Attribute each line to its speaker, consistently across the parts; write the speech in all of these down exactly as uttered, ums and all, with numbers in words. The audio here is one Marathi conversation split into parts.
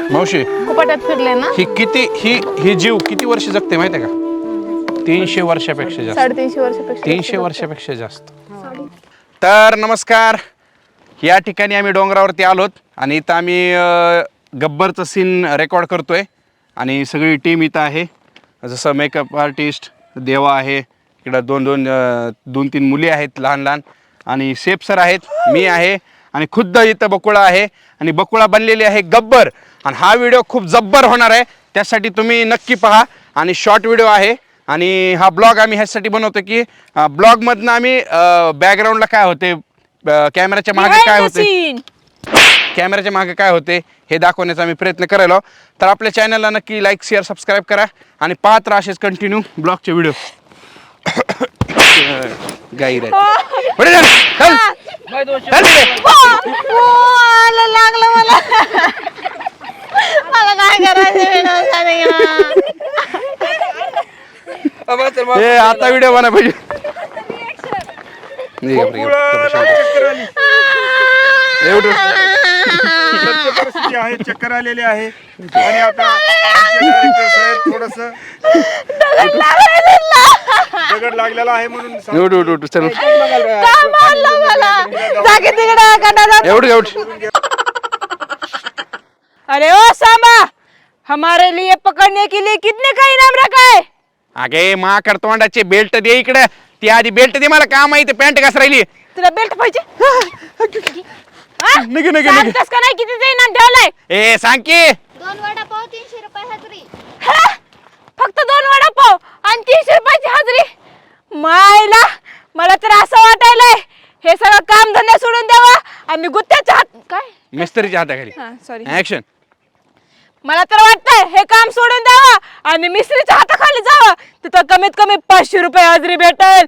Speaker 1: मावशी
Speaker 2: कुपाटात फिरले ना.
Speaker 1: ही किती ही ही जीव किती वर्ष जगते माहिती आहे का? तीनशे वर्षापेक्षा जास्त.
Speaker 2: साडेतीनशे वर्षापेक्षा
Speaker 1: तीनशे वर्षापेक्षा जास्त. तर नमस्कार, या ठिकाणी आम्ही डोंगरावरती आलोत आणि इथं आम्ही गब्बरचं सीन रेकॉर्ड करतोय आणि सगळी टीम इथं आहे. जसं मेकअप आर्टिस्ट देवा आहे, इकडं दोन दोन दोन तीन मुली आहेत लहान लहान, आणि सेफ सर आहेत, मी आहे आणि खुद्द इथं बकुळा आहे आणि बकुळा बनलेली आहे गब्बर. आणि हा व्हिडिओ खूप जब्बर होणार आहे, त्यासाठी तुम्ही नक्की पहा. आणि शॉर्ट व्हिडिओ आहे आणि हा ब्लॉग आम्ही ह्यासाठी बनवतो की ब्लॉगमधनं आम्ही बॅकग्राऊंडला काय होते, कॅमेराच्या मागे काय होते, कॅमेराच्या मागे काय होते हे दाखवण्याचा आम्ही प्रयत्न करायला. तर आपल्या चॅनलला नक्की लाईक शेअर सबस्क्राईब करा आणि पाहत राहा असेच कंटिन्यू ब्लॉगचे व्हिडिओ. गाई रे पुढे जा, चल. चल रे.
Speaker 2: लागलं मला. मला काय करायचं.
Speaker 1: ए, आता व्हिडिओ बना पाहिजे. एवढं
Speaker 3: परिस्थिती आहे, चक्कर आलेली आहे आणि आता थोडस दगड लागलेला आहे म्हणून
Speaker 1: एवढं एवढं चल
Speaker 2: मला
Speaker 1: एवढं एवढं.
Speaker 4: अरे ओ सांबा, हमारे लिए पकड़ने के लिए कितने का इनाम रखा है?
Speaker 1: अगे माकड तोंडाचे बेल्ट दे इकडे. ती आधी बेल्ट दे, मला काम आहे. पॅन्ट कस राहिली
Speaker 4: तुला बेल्ट पाहिजे?
Speaker 1: नगे नगे नगे.
Speaker 4: सांगतस का नाही कितीचं इनाम ठेवलंय?
Speaker 1: ए सांग की.
Speaker 5: दोन वडापाव तीनशे रुपये हजरी.
Speaker 4: हा? फक्त दोन वडापाव आणि तीनशे रुपयाची हजरी? मायला, मला तर असं वाटायलंय हे सगळं काम धंदा सोडून द्यावा आणि गुत्त्याच्या हात काय
Speaker 1: मिस्त्रीच्या हाताखाली.
Speaker 4: हा सॉरी,
Speaker 1: ऍक्शन.
Speaker 4: मला तर वाटतंय हे काम सोडून द्यावा आणि मिस्त्रीच्या हाताखाली जावं, तिथं कमीत कमी पाचशे रुपये हजरी भेटेल.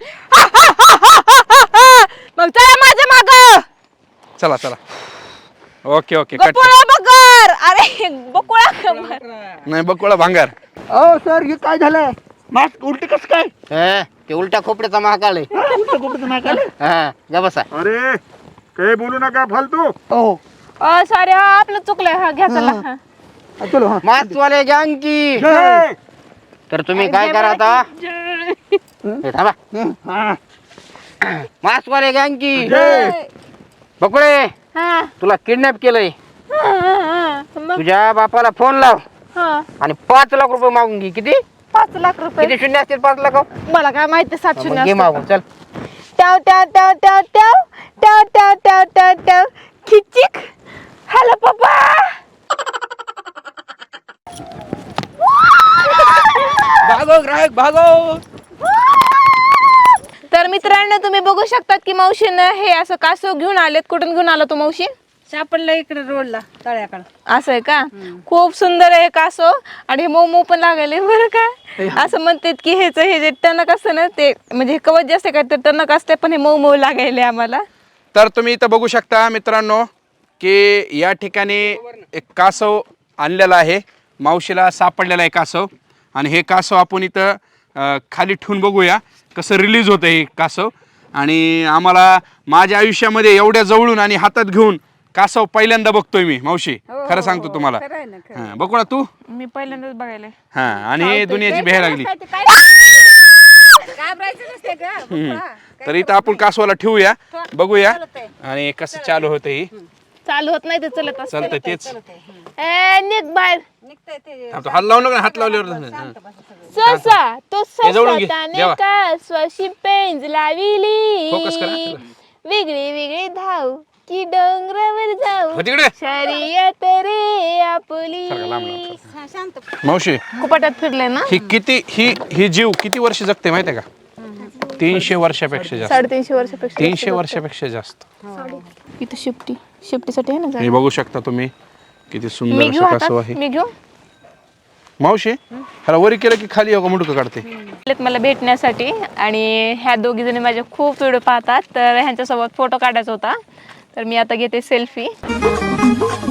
Speaker 4: मग चला माझ्या माग.
Speaker 1: चला चला. Okay okay cut.
Speaker 4: बकुळा बकर. अरे बकुळा
Speaker 1: नाही बकुळा भांगार.
Speaker 3: ओ सर, हे काय झालं? मास्क उलट कस काय?
Speaker 6: ते उलट्या खोपड्याचा महाकाल आहे.
Speaker 3: उलट कुठं नाकाल?
Speaker 6: हा जा बसा.
Speaker 3: अरे काही बोलू नका फालतू.
Speaker 6: हो
Speaker 4: सॉरी, आपलं चुकलंय. हा घ्या चला. हा.
Speaker 3: चलो हा.
Speaker 6: मास्कवाले गँग की.
Speaker 3: जय.
Speaker 6: तर तुम्ही काय करा आता, हे थांबा.
Speaker 3: हा.
Speaker 6: मास्कवाले गँग की.
Speaker 3: जय.
Speaker 6: बकुळे,
Speaker 4: हा.
Speaker 6: तुला किडनॅप केलंय.
Speaker 4: हा, हा, मग
Speaker 6: तुझ्या बापाला फोन लाव
Speaker 4: हा.
Speaker 6: आणि पाच लाख रुपये मागून घे. किती
Speaker 4: पाच लाख रुपये
Speaker 6: किती शून्य असतील? पाच लाख.
Speaker 4: मला काय माहिती. सात शून्य
Speaker 6: मग घे मागून. चल.
Speaker 4: ट्याव ट्याव ट्याव ट्याव ट्याव ट्याव ट्याव ट्याव ट्याव ट्याव खिचिक. हॅलो पप्पा.
Speaker 6: भागो ग्राहक भागो.
Speaker 2: तर मित्रांनो, तुम्ही बघू शकतात की मावशीनं हे असं कासव घेऊन आलेत. कुठून घेऊन आला तो मावशी?
Speaker 4: सापडलं इकडे रोडला तळ्याकडे.
Speaker 2: असं आहे का? खूप सुंदर आहे कासव आणि हे मऊ मऊ पण लागले बरं का. असं म्हणतात की हेच हे जे टणक असतं ना, ते म्हणजे कवच जे असते का ते टणक असते, पण हे मऊ मऊ लागायले आम्हाला.
Speaker 1: तर तुम्ही इथं बघू शकता मित्रांनो की या ठिकाणी एक कासव आणलेला आहे. मावशीला सापडलेला आहे कासव आणि हे कासव आपण इथं अं, खाली ठेवून बघूया कसं रिलीज होतं हे कासव. आणि आम्हाला माझ्या आयुष्यामध्ये एवढ्या जवळून आणि हातात घेऊन कासव पहिल्यांदा बघतोय मी मावशी. खरं सांगतो तुम्हाला. हां बघू ना तू.
Speaker 2: मी पहिल्यांदाच बघायला.
Speaker 1: हां आणि हे दुनियाची भेह लागली. हम्म. तर इथं आपण कासवाला ठेवूया, बघूया आणि कसं चालू होतं ही.
Speaker 2: चालू होत नाही ते चलत असतं.
Speaker 1: चालतंय तेच.
Speaker 2: ए निघ बाहेर.
Speaker 1: थांब, तो हात लावू नका ना, हात लावल्यावर झालं. हां.
Speaker 2: ससा तो
Speaker 1: हे जवळून घे,
Speaker 2: ससा
Speaker 1: जेवा.
Speaker 2: कासवाशी पेंज लाविली.
Speaker 1: फोकस करा.
Speaker 2: वेगळी वेगळी धाव की डोंगरावर जाऊ
Speaker 1: हो तिकडे.
Speaker 2: शर्यत रे आपली.
Speaker 1: सारखं लांब लांब. मावशी
Speaker 2: कुपाटात फिरले ना.
Speaker 1: ही किती ही ही जीव किती वर्ष जगते माहिती आहे का? तीनशे वर्षापेक्षा जास्त.
Speaker 2: साडेतीनशे वर्षापेक्षा
Speaker 1: तीनशे वर्षापेक्षा जास्त.
Speaker 2: इथं शिफ्टी शिफ्टीसाठी आहे ना
Speaker 1: हे
Speaker 2: जागा.
Speaker 1: बघू शकता तुम्ही किती
Speaker 2: मी
Speaker 1: सुंदर
Speaker 2: घेऊ
Speaker 1: असं कासव
Speaker 2: हातात?
Speaker 1: आहे.
Speaker 2: मी घेऊ.
Speaker 1: मावशी ह्याला वरी केलं की खाली हो मुडकं काढते.
Speaker 2: आलेत मला भेटण्यासाठी आणि ह्या दोघी जणी माझे खूप व्हिडिओ पाहतात, तर ह्यांच्यासोबत फोटो काढायचा होता, तर मी आता घेते सेल्फी.